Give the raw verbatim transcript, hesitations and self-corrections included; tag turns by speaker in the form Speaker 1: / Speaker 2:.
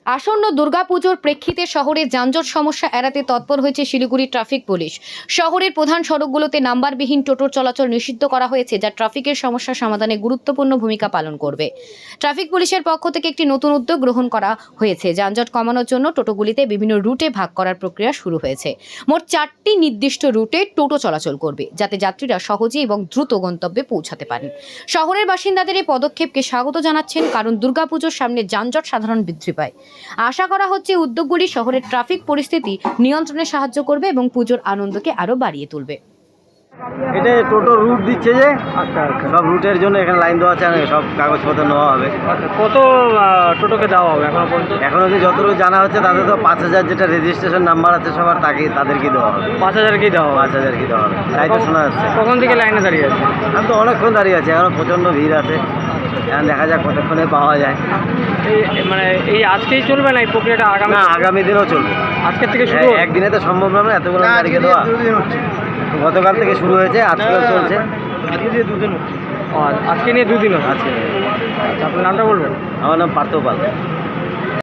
Speaker 1: আসন্ন দুর্গাপুজোর প্রেক্ষিতে শহরে যানজট সমস্যা এড়াতে তৎপর হয়েছে শিলিগুড়ি ট্রাফিক পুলিশ। শহরের প্রধান সড়কগুলোতে নাম্বারবিহীন টোটোর চলাচল নিষিদ্ধ করা হয়েছে, যা ট্রাফিকের সমস্যা সমাধানে গুরুত্বপূর্ণ ভূমিকা পালন করবে। ট্রাফিক পুলিশের পক্ষ থেকে একটি নতুন উদ্যোগ গ্রহণ করা হয়েছে। যানজট কমানোর জন্য টোটোগুলিতে বিভিন্ন রুটে ভাগ করার প্রক্রিয়া শুরু হয়েছে। মোট চারটি নির্দিষ্ট রুটে টোটো চলাচল করবে, যাতে যাত্রীরা সহজে এবং দ্রুত গন্তব্যে পৌঁছাতে পারেন। শহরের বাসিন্দাদের এই পদক্ষেপকে স্বাগত জানাচ্ছেন, কারণ দুর্গাপুজোর সামনে যানজট সাধারণ বৃদ্ধি পায়। আশা করা হচ্ছে উদ্যোগগুলি শহরের ট্রাফিক পরিস্থিতি নিয়ন্ত্রণে সাহায্য করবে এবং পুজোর আনন্দকে আরো বাড়িয়ে তুলবে।
Speaker 2: এটা টোটো রুট দিচ্ছে যে আচ্ছা আচ্ছা সব রুটের জন্য এখানে লাইন দেওয়া আছে, সব কাগজপত্র নেওয়া হবে।
Speaker 3: আচ্ছা, কত টোটোকে দেওয়া হবে এখনো পর্যন্ত?
Speaker 2: এখন অবধি যতটুকু জানা হচ্ছে তাদের তো পাঁচ হাজার যেটা রেজিস্ট্রেশন নাম্বার আছে সবার, তাকে তাদেরকে দেওয়া হবে।
Speaker 3: পাঁচ হাজার কি দেওয়া হবে?
Speaker 2: পাঁচ হাজার কি দেওয়া হবে তাই তো শোনা যাচ্ছে।
Speaker 3: কখন থেকে লাইনে দাঁড়িয়ে আছে?
Speaker 2: আমি তো অনেকক্ষণ দাঁড়িয়ে আছি, এখনো প্রচণ্ড ভিড় আছে। এখন দেখা যাক কতক্ষণে পাওয়া যায়।
Speaker 3: এই মানে এই আজকেই চলবে না এই প্রক্রিয়াটা? আগামী
Speaker 2: না, আগামী দিনেও চলবে।
Speaker 3: আজকের থেকে শুরু?
Speaker 2: একদিনে তো সম্ভব না এতগুলো তারিখে দেওয়া। গতকাল থেকে শুরু হয়েছে, আজকেও চলছে।
Speaker 3: আজকে দিয়ে দুদিন আজকে নিয়ে দুদিন
Speaker 2: আজকে
Speaker 3: আচ্ছা, আপনার নামটা বলবেন?
Speaker 2: আমার নাম পার্থ পাল।